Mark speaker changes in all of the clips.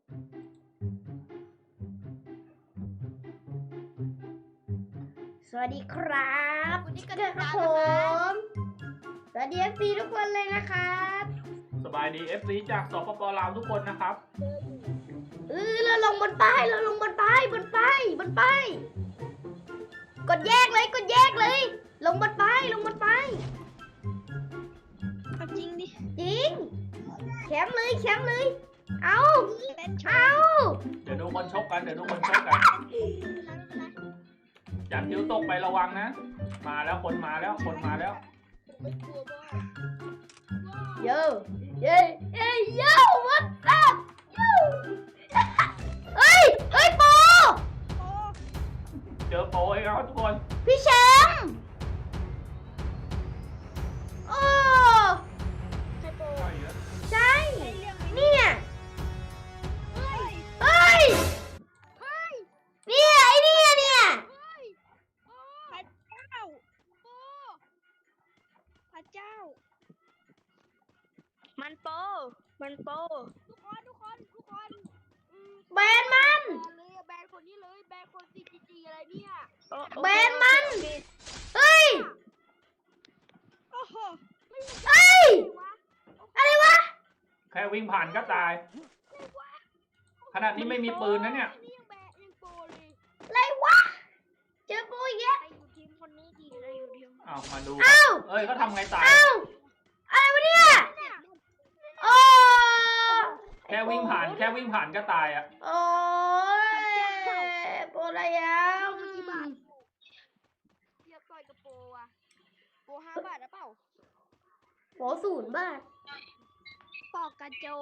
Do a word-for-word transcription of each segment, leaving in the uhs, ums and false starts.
Speaker 1: สวัสดีครับ
Speaker 2: วันนี้ก็
Speaker 1: เกิดครับผมสวัสดี เอฟ ซี ทุกคนเลยนะครับ
Speaker 3: สบายดี เอฟ ซี จากสปป.ลาวทุกคนนะครับ
Speaker 1: เออเราลงบนป้ายเราลงบนป้ายบนป้ายบนป้ายกดแยกเลยกดแยกเลย ลงบนป้ายลงบนป้าย
Speaker 2: เอาจริงดิ
Speaker 1: จริงแคมป์เลยแคมป์เลยเอา
Speaker 2: เล่นช
Speaker 1: เอา
Speaker 3: เดี๋ยวดูคนชกกัน เดี๋ยวดูคนชกกัน จันทิวตกไประวังนะ มาแล้วคนมาแล้วคนมาแล้ว
Speaker 1: โยเย้เย้โย่วัดซับโย่เฮ้ยเฮ้ยโป
Speaker 3: เจอโปรไอ้ครับทุกคน
Speaker 1: พี่แชมป์โอ้
Speaker 2: ใครโป
Speaker 3: ใช่เหรอ
Speaker 1: ใช่
Speaker 2: ใช่เรื่อง
Speaker 1: เนี่ย
Speaker 2: เฮ้ย
Speaker 1: เฮ้ย
Speaker 2: เฮ้ย
Speaker 1: เนี่ยไอ้เนี่ยเนี่ย
Speaker 2: เฮ้ยพระเจ้าโปพระเจ้า มันโปมันโปทุกคนทุกคนทุกคนอืม
Speaker 1: แบนมัน
Speaker 2: แบนเลยอะแบนคนนี้เลยแบนคน ซี จี จี อะไรเนี่ย
Speaker 1: แบนมันเฮ้ย
Speaker 2: โอ้โหไม่มี
Speaker 1: เฮ้ย
Speaker 2: วะ
Speaker 1: อะไรวะ
Speaker 3: แค่วิ่งผ่านก็ตาย ขนาดนี้ไม่มีปืนนะเนี่ย
Speaker 2: นี่ยังแบนยังโปเลย
Speaker 1: อะไรวะเจอกูอีกแล้ว
Speaker 2: ใครอยู่ทีมคนนี้ดีใครอยู่ทีม
Speaker 3: เอามาดู
Speaker 1: เอ้า
Speaker 3: เอ้ยเขาทำไงตาย
Speaker 1: เอ้าอะไรวะเนี่ย
Speaker 2: เนี่ย
Speaker 1: โอ้
Speaker 3: แค่วิ่งผ่าน แค่วิ่งผ่านก็ตายอ่ะ
Speaker 1: โอ้ยโปรอะไรอ่ะ
Speaker 2: เทียบต่อยกับโปรอะโปรห้าบาทหรือเปล่า
Speaker 1: โปรศูนย์บาท
Speaker 2: ปอกกระโจ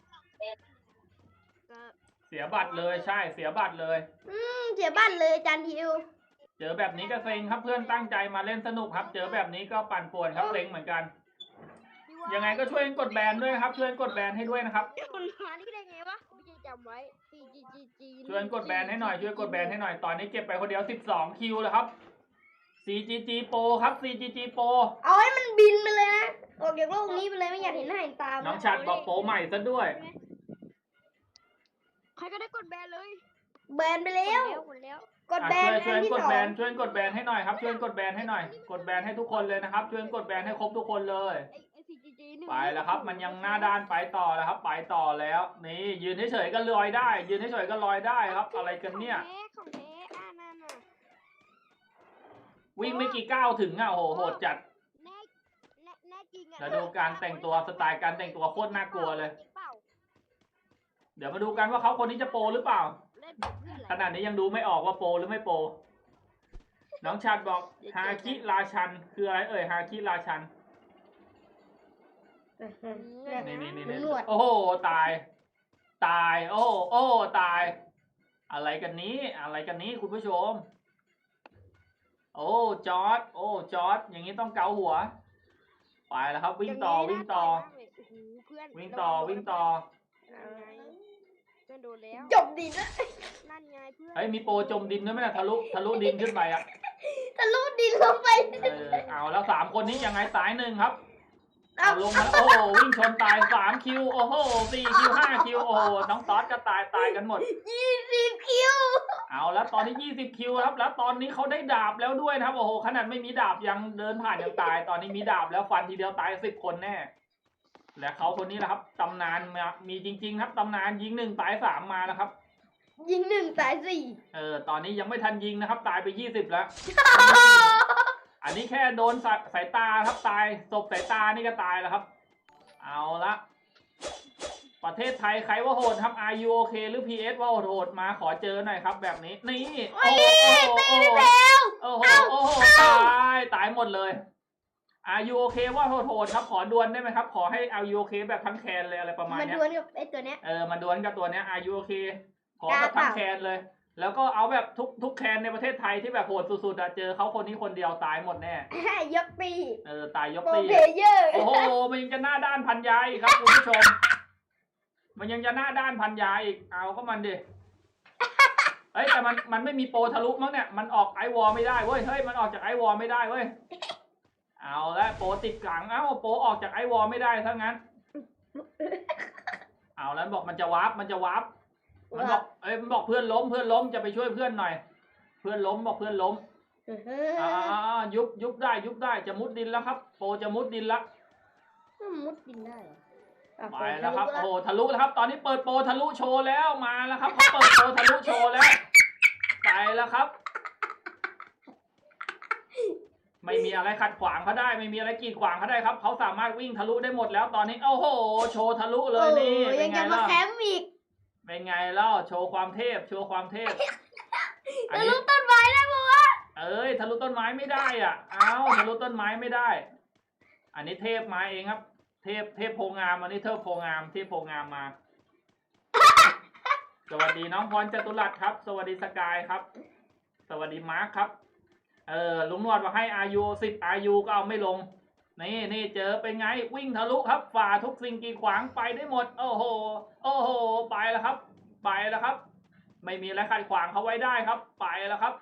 Speaker 2: ก็
Speaker 3: เสียบัตรเลยใช่ เสียบัตรเลย
Speaker 1: อืมเสียบ้านเลยจานทิว
Speaker 3: เจอแบบนี้ก็เซ็งครับเพื่อนตั้งใจมาเล่นสนุกครับ เจอแบบนี้ก็ปั่นป่วนครับเซ็งเหมือนกัน
Speaker 2: พี่ว่า
Speaker 3: ยังไงก็ช่วยกดแบนด้วยนะครับ ช่วยกดแบนให้ด้วยนะครับ
Speaker 2: มันมานี่ได้ไงวะไม่ใช่จำไว้ ซี จี จี จี
Speaker 3: ช่วยกดแบนให้หน่อย ช่วยกดแบนให้หน่อย ตอนนี้เก็บไปคนเดียวสิบสองคิวแล้วครับ ซี จี จี Pro ครับ ซี จี จี Pro
Speaker 1: เอาให้มันบินไปเลยนะออกจากโลกนี้ไปเลยไม่อยากเห็นหน้าเห็นตา
Speaker 3: น้องชัดบอกโปรใหม่ซะด้วย
Speaker 2: ใครก็ได้กดแบนเลย
Speaker 1: แบนไปแล้ว
Speaker 2: กดแล้ว
Speaker 1: กด
Speaker 3: อ่ะ
Speaker 1: แบน
Speaker 3: ช่วยช่วย
Speaker 1: อันที่
Speaker 3: ก
Speaker 1: ส
Speaker 3: ด
Speaker 1: อ
Speaker 3: แบ
Speaker 1: ง
Speaker 3: นช่วยกดแบนให้หน่อยครับ ช่วยกดแบนให้หน่อย กดแบนให้ทุกคนเลยนะครับ ช่วยกดแบนให้ครบทุกคนเลย
Speaker 2: ไอ้ไอ้ ซี จี จี หนึ่ง
Speaker 3: ไปแล้วครับ มันยังหน้าด้านไปต่อแล้วครับ ไปต่อแล้ว นี่ยืนเฉยๆก็ลอยได้ ยืนเฉยๆก็ลอยได้ครับ อะไรกันเนี่ย
Speaker 2: ของแท้ของแท้อ่านั่นน่ะ
Speaker 3: วิ่งไม่กี่ก้าวถึงอ่ะโอ้โหโหดจัด
Speaker 2: แน่แน่แน่จริงอ่ะ
Speaker 3: แล้วดูการแต่งตัวสไตล์การแต่งตัวโคตรน่ากลัวเลย
Speaker 2: จริงเปล่า
Speaker 3: เดี๋ยวมาดูกันว่าเขาคนนี้จะโปรหรือเปล่า
Speaker 2: เล่นแบบเพื่อนเหรอ
Speaker 3: ขนาดนี้ยังดูไม่ออกว่าโปรหรือไม่โปร น้องชัดบอกฮาคิราชันคืออะไรเอ่ยฮาคิราชัน นี่นี่นี่
Speaker 1: หน
Speaker 3: นี่
Speaker 1: วด
Speaker 3: โอ้โหตาย ตาย โอ้โหโอ้โหตาย อะไรกันนี้ อะไรกันนี้คุณผู้ชม โอ้จอร์ดโอ้จอร์ดอย่างนี้ต้องเกาหัว ไปแล้วครับ วิ่งต่อวิ่งต่อ
Speaker 2: โอ้โหเพื่อน
Speaker 3: วิ่งต่อวิ่งต่อ
Speaker 2: นั่นไงเพื่อนโดนแล้ว
Speaker 1: จบดินะ
Speaker 2: นั่นไงเพื่อน
Speaker 3: เฮ้ยมีโปรจมดินด้วยไหมล่ะทะลุทะลุดินขึ้นไปอ่ะ
Speaker 1: ทะลุดินลงไป
Speaker 3: เออเอาแล้วสามคนนี้ยังไงตายหนึ่งครับ
Speaker 1: เอา
Speaker 3: เอาลงมาแล้วโอ้โหวิ่งชนตายสามคิวโอ้โหสี่คิวห้าคิวโอ้โหน้องตอสก็ตายตายกันหมด
Speaker 1: ยี่สิบคิว
Speaker 3: เอาแล้วตอนนี้ยี่สิบคิวครับ แล้วตอนนี้เขาได้ดาบแล้วด้วยนะครับโอ้โหขนาดไม่มีดาบยังเดินผ่านยังตาย ตอนนี้มีดาบแล้วฟันทีเดียวตายสิบคนแน่ และเขาคนนี้แหละครับตำนานมามีจริง ๆ ครับตำนานยิงหนึ่งตายสามมานะครับ
Speaker 1: ยิงหนึ่งตายสี่
Speaker 3: เออตอนนี้ยังไม่ทันยิงนะครับ ตายไปยี่สิบแล้ว อันนี้แค่โดนสายสายตาครับตายศพสายตานี่ก็ตายแล้วครับ เอาละประเทศไทยใครว่าโหดครับ อาร์ ยู โอ เค หรือ พี เอส ว่าโหดมาขอเจอหน่อยครับ แบบนี้นี่
Speaker 1: โอ้
Speaker 3: โอ้
Speaker 1: ย
Speaker 3: โห
Speaker 1: ตีไปแล้ว
Speaker 3: โอ้โหโอ้โหตายตายหมดเลย อาร์ ยู โอ เค ว่าโหดครับ ขอดวลได้ไหมครับ ขอให้ อาร์ ยู โอ เค แบบทั้งแคนเลยอะไรประมาณ
Speaker 1: มา
Speaker 3: เนี้
Speaker 1: ด
Speaker 3: ย
Speaker 1: วลกับไอ้ตัวเนี้ย
Speaker 3: เออมาดวลกับตัวเนี้ย อาร์ ยู โอ เค ขอแบบทั้งแคนเลย แล้วก็เอาแบบทุกทุกแคนในประเทศไทยที่แบบโหดสุดๆอะเจอเขาคนนี้คนเดียวตายหมดแน่
Speaker 1: ยกปี
Speaker 3: เออตายยก
Speaker 1: โปร
Speaker 3: ตี
Speaker 1: เพลเยอร์
Speaker 3: โอ้โหมันยังจะหน้าด้านพันยาอีกครับคุณผู้ชม มันยังจะหน้าด้านพันยาอีกเอาก็มันดิเฮ้ยแต่มันมันไม่มีโปรทะลุมั้งเนี่ยมันออกไอวอลไม่ได้เว้ยเฮ้ยมันออกจากไอวอลไม่ได้เว้ยเอาละโปรติดกลางเอ้าโปรออกจากไอวอลไม่ได้ถ้างั้น เอาแล้วบอกมันจะวาร์ปมันจะวาร์ปมันบอกเอ้ยมันบอกเพื่อนล้มเพื่อนล้มจะไปช่วยเพื่อนหน่อย เพื่อนล้มบอกเพื่อนล้ม
Speaker 1: เฮ้ย
Speaker 3: อ่ายุบยุบได้ยุบได้จะมุดดินแล้วครับ โปจะมุดดินแล้ว
Speaker 1: มันมุดดินได้เหรออ่ะ
Speaker 3: ไปแล้วครับ
Speaker 1: ทะ
Speaker 3: โอ้
Speaker 1: ลุ
Speaker 3: โหทะลุแล้วครับ ตอนนี้เปิดโปรทะลุโชว์แล้วมาแล้วครับเขาเปิดโปรทะลุโชว์แล้วไปแล้วครับ ไม่มีอะไรขัดขวางเขาได้ ไม่มีอะไรกีดขวางเขาได้ครับเขาสามารถวิ่งทะลุได้หมดแล้วตอนนี้โอ้โหโชว์ทะลุเลยนี่
Speaker 1: โอ้
Speaker 3: เป็
Speaker 1: ยั
Speaker 3: น
Speaker 1: ง
Speaker 3: ไง
Speaker 1: จะมา
Speaker 3: ล่ะ
Speaker 1: แคมป์อีก
Speaker 3: เป็นไงเล่าโชว์ความเทพโชว์ความเทพอัน
Speaker 1: ทะลุ
Speaker 3: นี้
Speaker 1: ต้นไม้ได้ปะวะ
Speaker 3: เอ้ยทะลุต้นไม้ไม่ได้อ่ะเอ้าทะลุต้นไม้ไม่ได้ อันนี้เทพมาเองครับ เทพเทพโพงามอันนี้เทพโพงามเทพโพงามมา สวัสดีน้องพรจตุรัสครับ สวัสดีสกายครับ สวัสดีมาร์คครับ เออลุงนวดมาให้อายุสิบอายุก็เอาไม่ลง นี่นี่เจอเป็นไงวิ่งทะลุครับ ฝ่าทุกสิ่งกีดขวางไปได้หมด โอ้โห โอ้โห ไปแล้วครับ ไปแล้วครับ ไม่มีอะไรขัดขวางเขาไว้ได้ครับ ไปแล้วครับ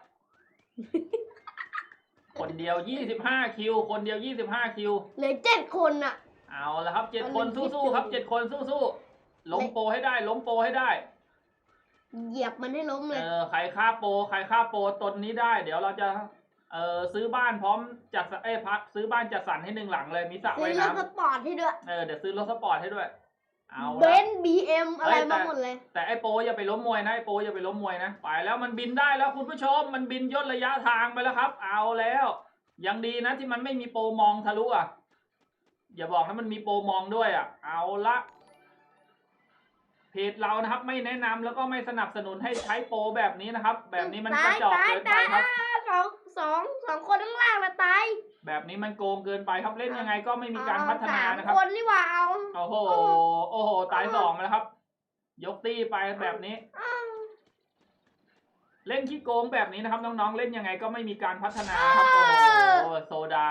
Speaker 3: คนเดียวยี่สิบห้าคิว คนเดียวยี่สิบห้าคิว
Speaker 1: เหลือเจ็ดคนอ่ะ
Speaker 3: เอาละครับเจ็ด
Speaker 1: เอา
Speaker 3: คน
Speaker 1: หนึ่ง
Speaker 3: สู้ๆครับ
Speaker 1: คิดดู
Speaker 3: เจ็ดคนสู้ๆล้มโปรให้ได้ ล้มโปรให้ได้
Speaker 1: เหยียบมันให้ล้มเล
Speaker 3: เอย อใครฆ่าโปรใครฆ่าโปรตนนี้ได้ เดี๋ยวเราจะ เออซื้อบ้านพร้อมจัดสรรเอ้ยพักซื้อบ้านจัดสรรให้หนึ่งหลังเลย มีสระ
Speaker 1: ซื้
Speaker 3: ว่า
Speaker 1: อย รถ
Speaker 3: น้
Speaker 1: สปอร์ตให้ด้วย
Speaker 3: ำเออเดี๋ยวซื้อรถสปอร์ตให้ด้วย เอา
Speaker 1: เบ
Speaker 3: ละ
Speaker 1: นซ์บีเอ็มอะไร
Speaker 3: เอ้ยแต่
Speaker 1: มาหมดเลย
Speaker 3: แต่ไอ้โปรอย่าไปล้มมวยนะไอ้โปรอย่าไปล้มมวยนะไปแล้วมันบินได้แล้วคุณผู้ชมมันบินย่นระยะทางไปแล้วครับ เอาแล้วยังดีนะที่มันไม่มีโปรมองทะลุอ่ะอย่าบอกนะมันมีโปรมองด้วยอ่ะ เอาละเพจเรานะครับ ไม่แนะนำแล้วก็ไม่สนับสนุนให้ใช้โปรแบบนี้นะครับ แบบนี้มันกระจอกเกินไปครับ
Speaker 1: สองสองสองคนข้างล่างละตาย
Speaker 3: แบบนี้มันโกงเกินไปครับเล่นยังไงก็ไม่มีการพัฒนานะค
Speaker 1: ส
Speaker 3: รับ
Speaker 1: มคนนี่หว่าเอา
Speaker 3: โอ้โหโอ้โหตายสองแล้วครับ ยกตี้ไปแบบนี้
Speaker 1: อ้าว
Speaker 3: เล่นขี้โกงแบบนี้นะครับน้องๆเล่นยังไงก็ไม่มีการพัฒนาครับโอ้โหโซดา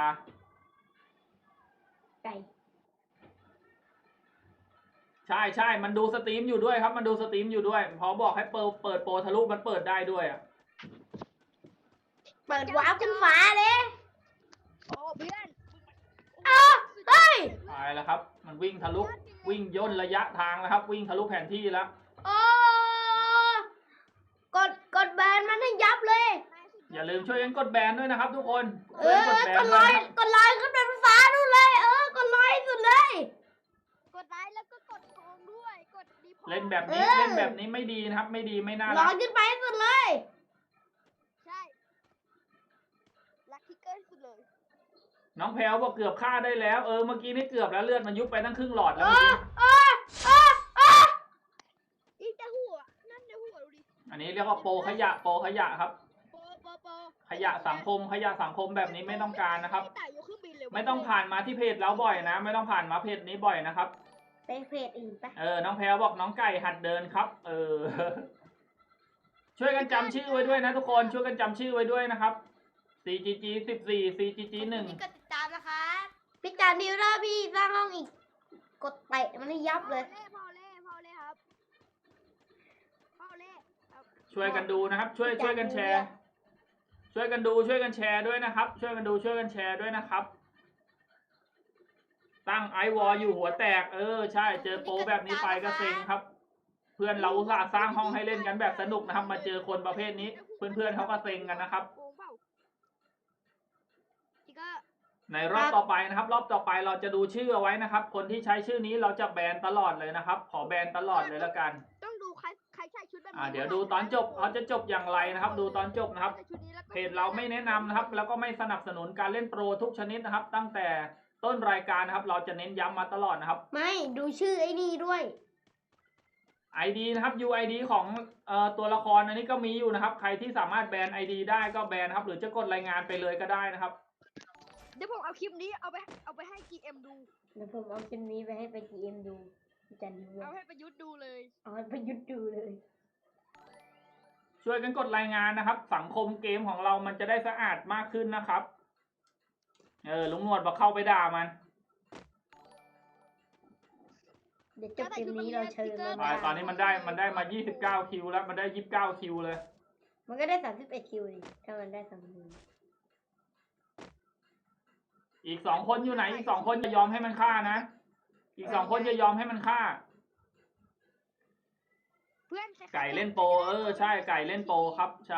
Speaker 1: ไก่
Speaker 3: ใช่ใช่มันดูสตรีมอยู่ด้วยครับ มันดูสตรีมอยู่ด้วย พอบอกให้เปิดเปิดโปรทะลุมันเปิดได้ด้วยอ่ะ
Speaker 1: เปิดวาร์ปขึ้นฟ้าเลย
Speaker 2: โอ้เพื่อน
Speaker 1: อ้าวเฮ้ย
Speaker 3: ตายแล้วครับ มันวิ่งทะลุวิ่งย่นระยะทางแล้วครับ วิ่งทะลุแผนที่แล้ว
Speaker 1: โอ้กดกดแบนมันให้ยับเลย
Speaker 3: อย่าลืมช่วยกันกดแบนด้วยนะครับ ทุกคน
Speaker 1: เอ
Speaker 3: ช่วย
Speaker 1: อ
Speaker 3: กันกดแบน
Speaker 1: กด
Speaker 3: ด้
Speaker 1: ล
Speaker 3: วย
Speaker 1: อย
Speaker 3: นะครับ
Speaker 1: กดลอยขึ้นเป็นฟ้าดูเลย เออกดลอยสุดเลย
Speaker 2: กดไลค์แล้วก็กดโกงด้วยกดดีพอ
Speaker 3: เล่นแบบนี้
Speaker 1: เออ
Speaker 3: เล่นแบบนี้ไม่ดีนะครับ ไม่ดีไม่น่า
Speaker 1: ล
Speaker 3: รั
Speaker 1: อก ยขึ้นไปสุดเลย
Speaker 2: ใช่ลัคกี้เกินสุดเลย
Speaker 3: น้องแพลวบอกเกือบฆ่าได้แล้วเออเมื่อกี้นี่เกือบแล้วเลือดมันยุบไปตั้งครึ่งหลอดแล้ว
Speaker 1: เอ
Speaker 3: เมื่อ
Speaker 1: อ
Speaker 3: กี้
Speaker 1: เออเออเออ
Speaker 2: อีแต่หัวนั่นแต่หัวดูดิ
Speaker 3: อันนี้เรียกว่าโปรขยะโปรขยะครับ
Speaker 2: โปโปโป
Speaker 3: ขยะสังคมขยะสังคมแบบนี้ไม่ต้องการนะครับ
Speaker 2: แต่ยกเครื่องบินเลย
Speaker 3: ไม่ต้องผ่านมาที่เพจเราบ่อยนะ ไม่ต้องผ่านมาเพจนี้บ่อยนะครับ
Speaker 1: ไปเพจอื่นไป
Speaker 3: เออน้องแพลวบอกน้องไก่หัดเดินครับ เออ ช่วยกันจำชื่อไว้ด้วยนะทุกคนช่วยกันจำชื่อไว้ด้วยนะครับ ซี จี จี สิบสี่ ซี จี จี หนึ่ง
Speaker 1: กดติดตามนะคะพี่จานดิวถ้าพี่สร้างห้องอีก กดเตะมันให้ยับเลย
Speaker 2: พอเล่พอเล่พอเล่ครับพอเล่ครับ
Speaker 3: ช่วยกันดูนะครับ ช่วยช่วยกันแชร์ ช่วยกันดูช่วยกันแชร์ด้วยนะครับ ช่วยกันดูช่วยกันแชร์ด้วยนะครับ ตั้งไอวอลอยู่หัวแตกเออใช่เจอโปรแบบนี้ไปก็เซ็งครับ เพื่อนเราอุตส่าห์สร้างห้องให้เล่นกันแบบสนุกนะครับ มาเจอคนประเภทนี้ เพื่อนๆเขาก็เซ็งกันนะครับ
Speaker 2: โกงเปล่าอีกก็
Speaker 3: ในรอบต่อไปนะครับ รอบต่อไปเราจะดูชื่อเอาไว้นะครับ คนที่ใช้ชื่อนี้เราจะแบนตลอดเลยนะครับ ขอแบนตลอดเลยละกัน
Speaker 2: ต้องดูใครใครใส่ชุดแบบนี้
Speaker 3: อ่าเดี๋ยวดูตอนจบเขาจะจบอย่างไรนะครับ ดูตอนจบนะครับ
Speaker 2: ใส่ชุดนี้แล้วก็
Speaker 3: เพจเราไม่แนะนำนะครับ แล้วก็ไม่สนับสนุนการเล่นโปรทุกชนิดนะครับ ตั้งแต่ต้นรายการนะครับ เราจะเน้นย้ำมาตลอดนะครับ
Speaker 1: ไม่ดูชื่อไอ้นี่ด้วย
Speaker 3: ไอ ดี นะครับ ยู ไอ ดี ของเอ่อตัวละครอันนี้ก็มีอยู่นะครับ ใครที่สามารถแบน ไอ ดี ได้ก็แบนนะครับ หรือจะกดรายงานไปเลยก็ได้นะครับ
Speaker 2: เดี๋ยวผมเอาคลิปนี้เอาไปเอาไปให้ จี เอ็ม ดู
Speaker 1: เดี๋ยวผมเอาคลิปนี้ไปให้ไปจีเอ็มดูพี่จานดิว
Speaker 2: เอาให้ประยุทธ์ดูเลย
Speaker 1: เอาให้ประยุทธ์ดูเลย
Speaker 3: ช่วยกันกดรายงานนะครับ สังคมเกมของเรามันจะได้สะอาดมากขึ้นนะครับ เออลุงหนวดบอกเข้าไปด่ามัน
Speaker 1: เดี๋ยวจบเกมนี้เราเชิญมัน
Speaker 3: ตายตอนนี้มันได้มันได้มายี่สิบเก้าคิวแล้วมันได้ยี่สิบเก้าคิวเลย
Speaker 1: มันก็ได้สามสิบเอ็ดคิวดิถ้ามันได้สามคิว
Speaker 3: อีกสองคนอยู่ไหน อีกสองคนจะยอมให้มันฆ่านะ อีกสองคนจะยอมให้มันฆ่า
Speaker 2: เพื่อนคล้ายๆ
Speaker 3: ไก่เล่นโปรเออใช่ไก่เล่นโปรครับใช่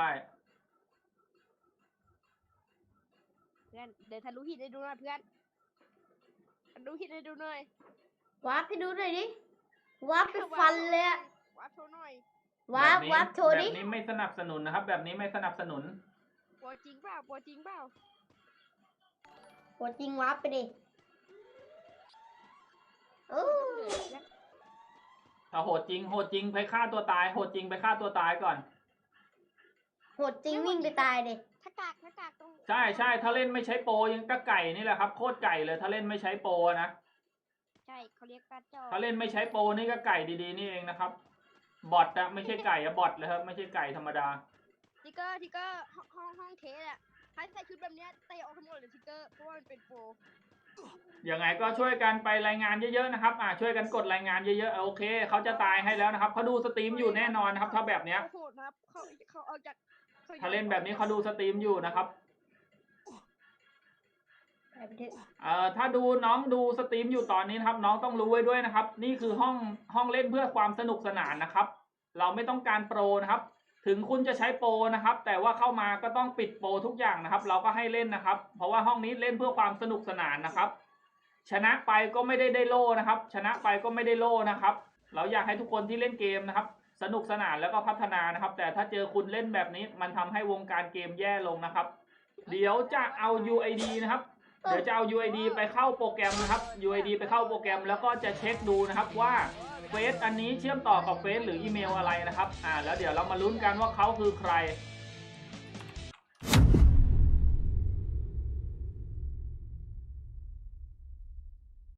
Speaker 2: เพื่อนเดี๋ยวทะลุหินให้ดูหน่อยเพื่อนทะลุหินให้ดูหน่อย
Speaker 1: วาร์ปให้ดูหน่อยดิวาร์ปไปฟันเลยอะ
Speaker 2: วับโชว์หน่อย
Speaker 1: วาร์ป
Speaker 3: แบบนี้
Speaker 1: วาร์ปโชว์
Speaker 3: แบ
Speaker 1: ดิ
Speaker 3: บนี้ไม่สนับสนุนนะครับ แบบนี้ไม่สนับสนุน
Speaker 2: โปรจริงเปล่าโปรจริงเปล่า
Speaker 1: โหจริงวาร์ปไปดิเออ
Speaker 3: ถ้าโหดจริงโหดจริงไปฆ่าตัวตายโหดจริงไปฆ่าตัวตายก่อน
Speaker 1: โหดจริงวิ่งไปตายดิ
Speaker 2: ถ้ากากถ้ากากตรง
Speaker 3: ใช่ใช่ถ้าเล่นไม่ใช้โปรยังก็ไก่นี่แหละครับโคตรไก่เลยถ้าเล่นไม่ใช้โปรนะ
Speaker 2: ใช่เขาเรียกการจอ
Speaker 3: ถ้าเล่นไม่ใช้โปรนี่ก็ไก่ดีๆนี่เองนะครับบอทอะไม่ใช่ไก่อะบอทเลยครับไม่ใช่ไก่ธรรมดา
Speaker 2: ทิกเกอร์ทิกเกอร์ห้องห้องห้องเทสอะถ้าใส่ชุดแบบเนี้ยเตะออกทั้งหมดเลยทิกเกอร์เพราะว่ามันเป็นโปร
Speaker 3: ยังไงก็ช่วยกันไปรายงานเยอะๆนะครับอ่าช่วยกันกดรายงานเยอะๆโอเคเขาจะตายให้แล้วนะครับเขาดูสตรีมอยู่แน่นอนนะครับ ถ้าแบบเนี้ย
Speaker 2: เขาโหดนะครับเขาเขาเอาจากข
Speaker 3: ถ้าเล่นแบบนี้เขาดูสตรีมอยู่นะครับ
Speaker 1: ไปไปเถอะ
Speaker 3: เอ่อถ้าดูน้องดูสตรีมอยู่ตอนนี้นะครับ น้องต้องรู้ไว้ด้วยนะครับ นี่คือห้องห้องเล่นเพื่อความสนุกสนานนะครับ เราไม่ต้องการโปรนะครับ ถึงคุณจะใช้โปรนะครับ แต่ว่าเข้ามาก็ต้องปิดโปรทุกอย่างนะครับ เราก็ให้เล่นนะครับ เพราะว่าห้องนี้เล่นเพื่อความสนุกสนานนะครับ ชนะไปก็ไม่ได้ได้โล่นะครับ ชนะไปก็ไม่ได้โล่นะครับ เราอยากให้ทุกคนที่เล่นเกมนะครับ สนุกสนานแล้วก็พัฒนานะครับ แต่ถ้าเจอคุณเล่นแบบนี้มันทำให้วงการเกมแย่ลงนะครับ เดี๋ยวจะเอา ยู ไอ ดี นะครับ เดี๋ยวจะเอา ยู ไอ ดี ไปเข้าโปรแกรมนะครับ ยู ไอ ดี ไปเข้าโปรแกรมแล้วก็จะเช็คดูนะครับว่าเฟซอันนี้เชื่อมต่อกับเฟซหรืออีเมลอะไรนะครับ อ่า แล้วเดี๋ยวเรามาลุ้นกันว่าเขาคือใคร